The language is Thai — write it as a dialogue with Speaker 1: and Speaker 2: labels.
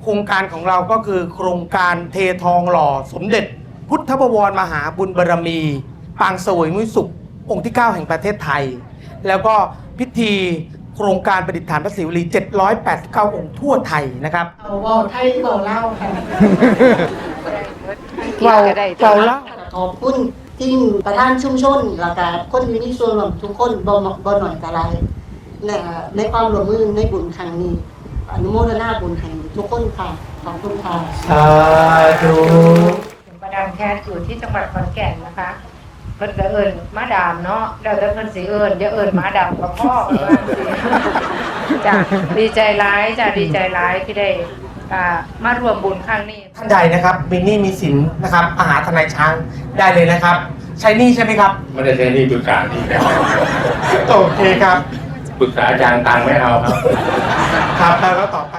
Speaker 1: โครงการของเราก็คือโครงการเททองหล่อสมเด็จ พุทธบวรมหาบุญบารมี ปางเสวยมุ้ยสุของค์ที่ 9 แห่งประเทศไทย แล้วก็พิธีโครงการประดิษฐานพระศิวลี789 องค์ทั่วไทยนะครับ
Speaker 2: เอาเว้าไทยเว้าเล่าวค่ะ
Speaker 1: เราเล่า
Speaker 2: ขอบคุณที่ประธานชุมชนแล้วก็คนที่มีส่วนร่วมทุกคนบ่หน่อยก็หลายในความร่วมมือในบุญครั้งนี้อนุโมทนาบุญให้ทุกคนค่ะขอบคุณค่ะ
Speaker 1: สาธุ
Speaker 3: มาดามแคทอยู่ที่จังหวัดขอนแก่นนะคะเพิ่นก็เอิ้นมาดามเนาะแล้วแต่เพิ่นสิเอิ้นอย่าเอิ้นมาดามกับพ่อว่าสิจ้ะดีใจหลายจ้ะดีใจหลายที่ได้มารวมบุญครั้งนี้
Speaker 1: ท่านใดนะครับมีหนี้มีสินนะครับมาหาทนายช้างได้เลยนะครับ ใช้หนี้ใช่ไหมครับ
Speaker 4: ไม่ได้ใช้หนี่ปรึกษาหนี่ครับ
Speaker 1: โอเคครับ
Speaker 4: ปรึกษาอาจารย์ตังค์ไม่เอาครับ
Speaker 1: ครับแล้วก็ต่อไป